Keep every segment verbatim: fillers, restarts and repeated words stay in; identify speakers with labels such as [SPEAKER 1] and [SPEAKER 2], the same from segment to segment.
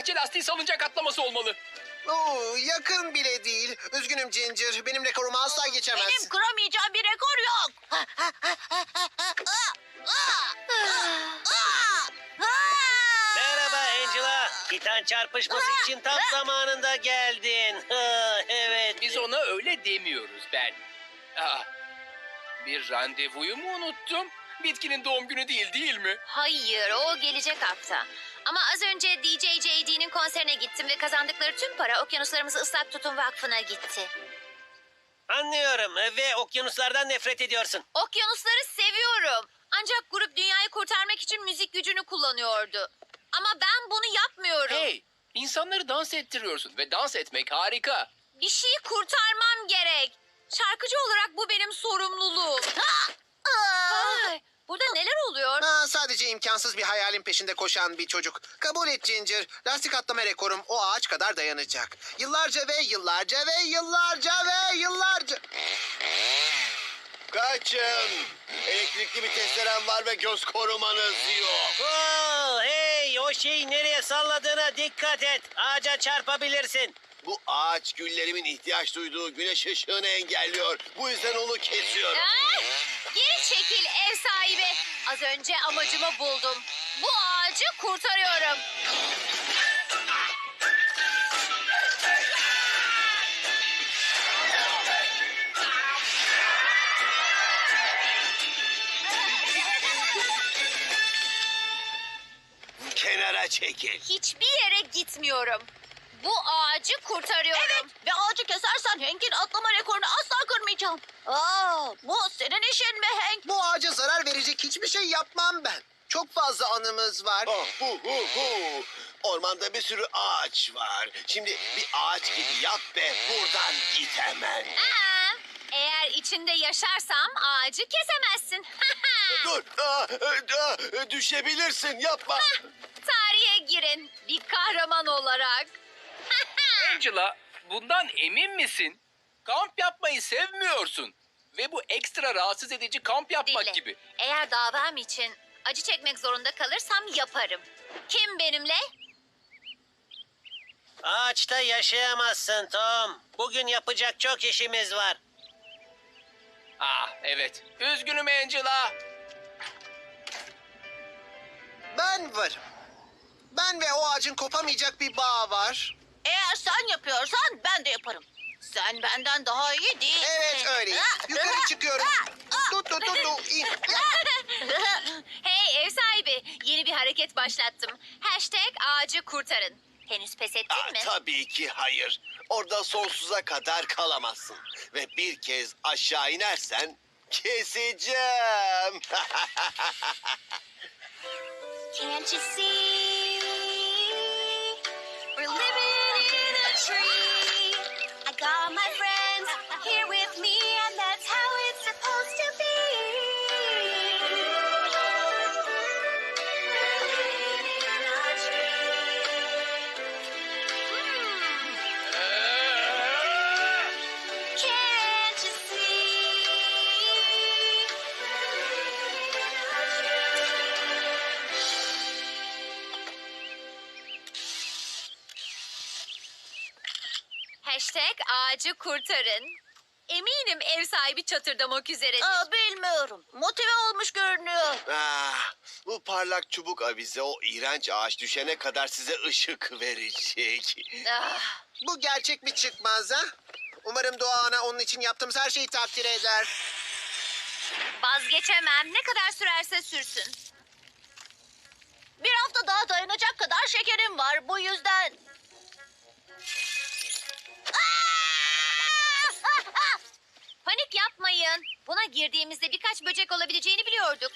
[SPEAKER 1] bahçe lastiği salıncak atlaması olmalı.
[SPEAKER 2] Oo, yakın bile değil. Üzgünüm Ginger. Benim rekorumu asla geçemezsin.
[SPEAKER 3] Benim kıramayacağım bir rekor yok.
[SPEAKER 4] Merhaba Angela. Titan çarpışması için tam zamanında geldin. Evet.
[SPEAKER 1] Biz ona öyle demiyoruz ben. Aa, bir randevuyu mu unuttum? Bitkinin doğum günü değil değil mi?
[SPEAKER 5] Hayır, o gelecek hafta. Ama az önce D J J D'nin konserine gittim ve kazandıkları tüm para Okyanuslarımızı Islak Tutun Vakfı'na gitti.
[SPEAKER 4] Anlıyorum ve okyanuslardan nefret ediyorsun.
[SPEAKER 5] Okyanusları seviyorum. Ancak grup dünyayı kurtarmak için müzik gücünü kullanıyordu. Ama ben bunu yapmıyorum.
[SPEAKER 1] Hey, insanları dans ettiriyorsun ve dans etmek harika.
[SPEAKER 5] Bir şeyi kurtarmam gerek. Şarkıcı olarak bu benim sorumluluğum. Ay, burada neler oluyor?
[SPEAKER 2] Ha, sadece imkansız bir hayalin peşinde koşan bir çocuk. Kabul et Ginger. Lastik atlama rekorum o ağaç kadar dayanacak. Yıllarca ve yıllarca ve yıllarca ve yıllarca...
[SPEAKER 6] Kaçın. Elektrikli bir testerem var ve göz korumanız yok.
[SPEAKER 4] Oo, hey, o şeyi nereye salladığına dikkat et. Ağaca çarpabilirsin.
[SPEAKER 6] Bu ağaç güllerimin ihtiyaç duyduğu güneş ışığını engelliyor. Bu yüzden onu kesiyorum.
[SPEAKER 5] Ah! Geri çekil ev sahibi. Az önce amacımı buldum. Bu ağacı kurtarıyorum.
[SPEAKER 6] Kenara çekil.
[SPEAKER 5] Hiçbir yere gitmiyorum. Bu ağacı kurtarıyorum.
[SPEAKER 3] Evet ve ağacı kesersen Hank'in atlama rekorunu asla kırmayacağım. Aa, bu senin işin mi Hank?
[SPEAKER 2] Bu ağaca zarar verecek hiçbir şey yapmam ben. Çok fazla anımız var.
[SPEAKER 6] Oh, hu, hu, hu. Ormanda bir sürü ağaç var. Şimdi bir ağaç gibi yap ve buradan git hemen.
[SPEAKER 5] Aa, eğer içinde yaşarsam ağacı kesemezsin.
[SPEAKER 6] Dur. Aa, aa, düşebilirsin. Yapma.
[SPEAKER 5] Tarihe girin bir kahraman olarak.
[SPEAKER 1] Angela, bundan emin misin? Kamp yapmayı sevmiyorsun. Ve bu ekstra rahatsız edici kamp yapmak
[SPEAKER 5] Dinle.
[SPEAKER 1] gibi.
[SPEAKER 5] Eğer davam için acı çekmek zorunda kalırsam yaparım. Kim benimle?
[SPEAKER 4] Ağaçta yaşayamazsın Tom. Bugün yapacak çok işimiz var.
[SPEAKER 1] Ah evet. Üzgünüm Angela.
[SPEAKER 2] Ben varım. Ben ve o ağacın kopamayacak bir bağ var.
[SPEAKER 3] Eğer sen yapıyorsan ben de yaparım. Sen benden daha iyi değilsin.
[SPEAKER 2] Evet öyle. Yukarı çıkıyorum. Tut tut tut tut. İn.
[SPEAKER 5] Hey ev sahibi, yeni bir hareket başlattım. Hashtag ağacı kurtarın. Henüz pes ettin
[SPEAKER 6] Aa,
[SPEAKER 5] mi?
[SPEAKER 6] tabii ki hayır. Orada sonsuza kadar kalamazsın. Ve bir kez aşağı inersen keseceğim.
[SPEAKER 5] Can't you see? We're living in a tree. I got my friends here with me, and that's how it's supposed to be. We're living in a tree. Can't you see? Hashtag ağacı kurtarın. Eminim ev sahibi çatırdamak üzeredir.
[SPEAKER 3] Aa, bilmiyorum. Motive olmuş görünüyor.
[SPEAKER 6] Ah, bu parlak çubuk avize o iğrenç ağaç düşene kadar size ışık verecek.
[SPEAKER 5] Ah,
[SPEAKER 2] Bu gerçek mi çıkmaz ha? Umarım Doğa Ana onun için yaptığımız her şeyi takdir eder.
[SPEAKER 5] vazgeçemem. Ne kadar sürerse sürsün.
[SPEAKER 3] Bir hafta daha dayanacak kadar şekerim var. Bu yüzden...
[SPEAKER 5] Panik yapmayın. Buna girdiğimizde birkaç böcek olabileceğini biliyorduk.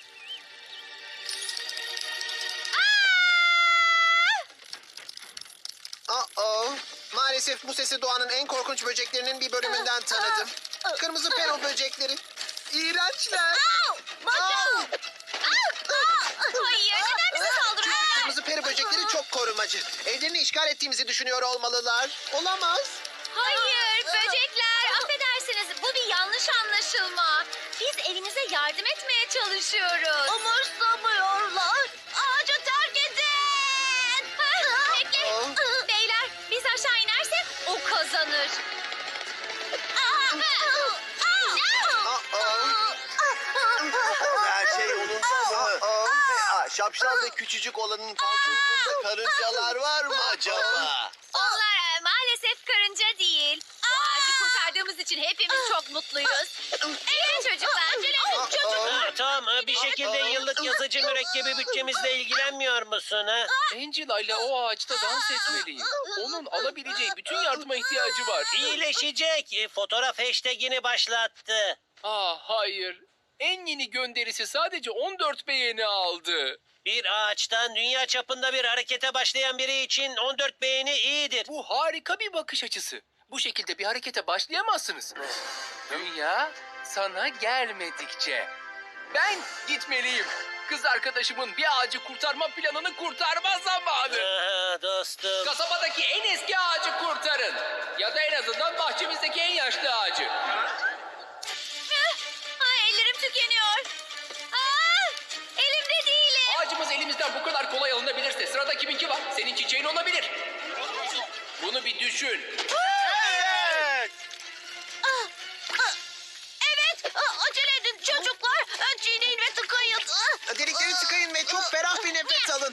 [SPEAKER 2] Uh-oh. Maalesef bu sesi doğanın en korkunç böceklerinin bir bölümünden tanıdım. Kırmızı pero böcekleri. İğrençler.
[SPEAKER 3] Au! Bacağım!
[SPEAKER 2] Au!
[SPEAKER 5] Hayır, neden bize saldırıyorlar?
[SPEAKER 2] Kırmızı peri böcekleri çok korumacı. Evlerini işgal ettiğimizi düşünüyor olmalılar. Olamaz.
[SPEAKER 5] Hayır, böcekler. Affedersiniz, bu bir yanlış anlaşılma. Biz evinize yardım etmeye çalışıyoruz.
[SPEAKER 3] Umursamıyorlar. Ağacı terk edin.
[SPEAKER 5] Ha, bekle.
[SPEAKER 2] Oh.
[SPEAKER 5] kazanır.
[SPEAKER 6] Her şey yolunda mı? Aa, şapşal ve küçücük olanın pantolonunda karıncalar var mı acaba?
[SPEAKER 5] Onlar e, maalesef karınca değil. Bu ağacı kurtardığımız için hepimiz çok mutluyuz. Evet çocuklar.
[SPEAKER 4] Ha, Tom, e, bir şekilde yıllık yazıcı mürekkebi bütçemizle ilgilenmiyor musun? Ha?
[SPEAKER 1] Angela ile o ağaçta dans etmeliyim. Onun alabileceği bütün yardıma ihtiyacı var.
[SPEAKER 4] İyileşecek. E, Fotoğraf hashtagini başlattı.
[SPEAKER 1] Ah hayır. En yeni gönderisi sadece on dört beğeni aldı.
[SPEAKER 4] Bir ağaçtan dünya çapında bir harekete başlayan biri için on dört beğeni iyidir.
[SPEAKER 1] Bu harika bir bakış açısı. Bu şekilde bir harekete başlayamazsınız. Dünya sana gelmedikçe. Ben gitmeliyim. Kız arkadaşımın bir ağacı kurtarma planını kurtarma zamanı.
[SPEAKER 4] Aha, dostum.
[SPEAKER 1] Kasabadaki en eski ağacı kurtarın. Ya da en azından bahçemizdeki en yaşlı ağacı.
[SPEAKER 5] Ay, ellerim tükeniyor. Aa, elimde değilim.
[SPEAKER 1] Ağacımız elimizden bu kadar kolay alınabilirse sırada kiminki var? Senin çiçeğin olabilir. Bunu bir düşün.
[SPEAKER 6] Evet.
[SPEAKER 3] Evet, acele edin çocuklar. Çiğneyin ve tıkayın.
[SPEAKER 2] Delikleri tıkayın ve çok ferah bir nefes alın.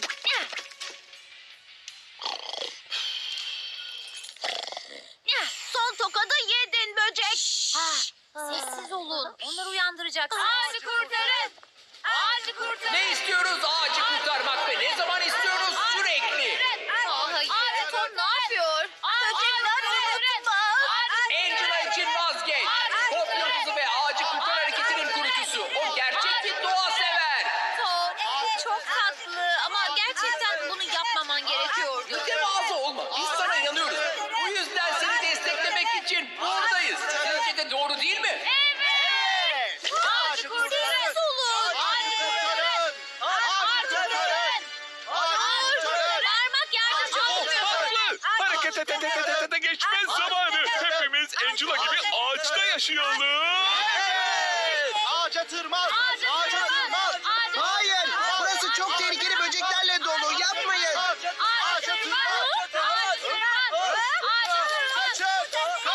[SPEAKER 3] Son tokadı yedin böcek.
[SPEAKER 5] Sessiz olun. Onları uyandıracak. Ağacı kurtarın. Ağacı kurtarın.
[SPEAKER 1] Ne istiyoruz? Ağacı kurtarmak ve ne zaman istiyoruz? Sürekli.
[SPEAKER 5] Aa, hayır. Ağacı Tom ne yapıyor?
[SPEAKER 3] Böcekler unutma.
[SPEAKER 1] Angela için vazgeç. Pop yıldızı ve ağacı kurtar hareketinin kurucusu. O gerçek bir doğa sever.
[SPEAKER 5] Tom çok tatlı ama gerçekten bunu yapmaman gerekiyordu.
[SPEAKER 1] Mütevazı olma. Biz sana inanıyoruz. Bu yüzden seni desteklemek için buradayız. Sizce de doğru değil mi?
[SPEAKER 5] Evet. Ağacı kurtarın.
[SPEAKER 3] Sessiz olun.
[SPEAKER 5] Ağacı kurtarın. Ağacı kurtarın. Ağacı kurtarın. Parmak yardımcı olmuyor.
[SPEAKER 7] Haklı. Hareket et et et et et geçmez zamanı. Hepimiz Angela gibi ağaçta yaşayalım.
[SPEAKER 6] Ağaca tırman.
[SPEAKER 5] Ağacı kurtarın. Ağacı
[SPEAKER 2] Hayır, burası çok tehlikeli böceklerle dolu. Yapmayın.
[SPEAKER 5] Ağaca tırman. Ağaca tırman. Ağaca tırman.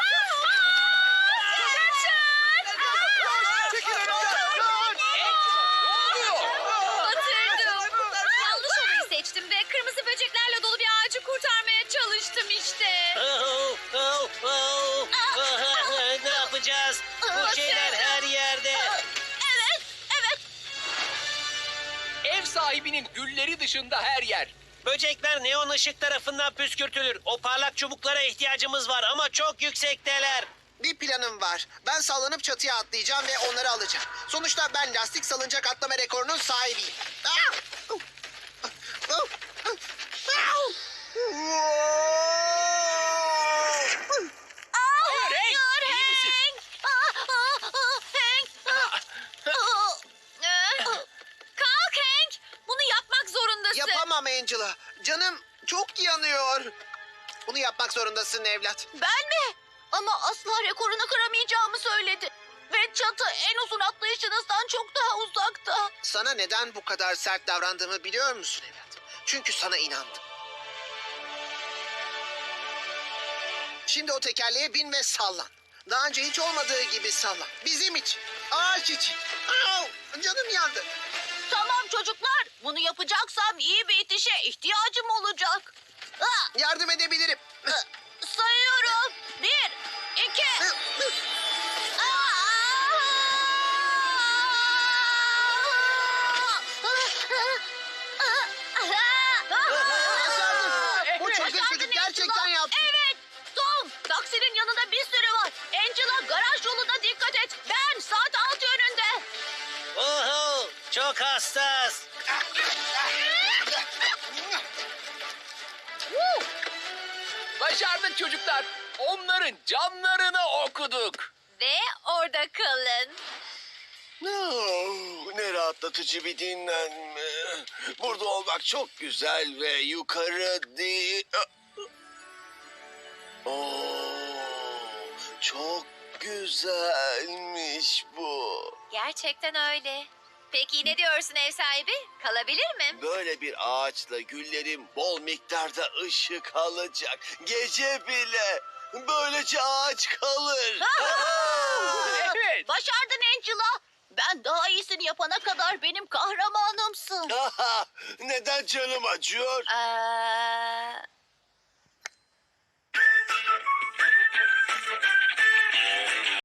[SPEAKER 6] Çekil önümden.
[SPEAKER 1] Ne oluyor?
[SPEAKER 5] Batırdım. Yanlış olayı seçtim ve kırmızı böceklerle dolu bir ağacı kurtarmaya çalıştım işte.
[SPEAKER 4] Oh, oh, oh. Ne yapacağız? Bu şeyler her yerde.
[SPEAKER 3] Evet, evet.
[SPEAKER 1] Ev sahibinin gülleri dışında her yer.
[SPEAKER 4] Böcekler neon ışık tarafından püskürtülür. O parlak çubuklara ihtiyacımız var ama çok yüksekteler.
[SPEAKER 2] Bir planım var. Ben sallanıp çatıya atlayacağım ve onları alacağım. Sonuçta ben lastik salıncak atlama rekorunun sahibiyim. Ah!
[SPEAKER 1] Hayır Hank, iyi misin?
[SPEAKER 5] Kalk Hank. Bunu yapmak zorundasın.
[SPEAKER 2] Yapamam Angela. Canım çok yanıyor. Bunu yapmak zorundasın evlat.
[SPEAKER 3] Ben mi? Ama asla rekorunu kıramayacağımı söyledi. Ve çatı en uzun atlayışınızdan çok daha uzakta.
[SPEAKER 2] Sana neden bu kadar sert davrandığımı biliyor musun evlat? Çünkü sana inandım. Şimdi o tekerleğe bin ve sallan. Daha önce hiç olmadığı gibi sallan. Bizim için. Ağaç için. Au! Canım yandı.
[SPEAKER 3] Tamam çocuklar, bunu yapacaksam iyi bir itişe ihtiyacım olacak. Ah,
[SPEAKER 2] Yardım edebilirim.
[SPEAKER 3] sayıyorum. Bir, iki.
[SPEAKER 2] Başardık. Bu çılgın
[SPEAKER 3] Başardın
[SPEAKER 2] çocuk gerçekten
[SPEAKER 3] Angela.
[SPEAKER 2] yaptı.
[SPEAKER 3] Evet. Tom, taksinin yanında bir sürü var. Angela, garaj yoluna dikkat et. Ben saat altı yönünde.
[SPEAKER 4] Oho, çok hassas.
[SPEAKER 1] Başardık çocuklar. Onların canlarını okuduk.
[SPEAKER 5] Ve orada kalın.
[SPEAKER 6] Oh, ne rahatlatıcı bir dinlenme. Burada olmak çok güzel ve yukarı değil. Oo, çok güzelmiş bu.
[SPEAKER 5] Gerçekten öyle. Peki ne diyorsun ev sahibi? Kalabilir mi?
[SPEAKER 6] Böyle bir ağaçla güllerim bol miktarda ışık alacak. Gece bile. Böylece ağaç kalır.
[SPEAKER 1] Evet.
[SPEAKER 3] Başardın Angela. Ben daha iyisini yapana kadar benim kahramanımsın.
[SPEAKER 6] Neden canım acıyor?
[SPEAKER 5] Aa,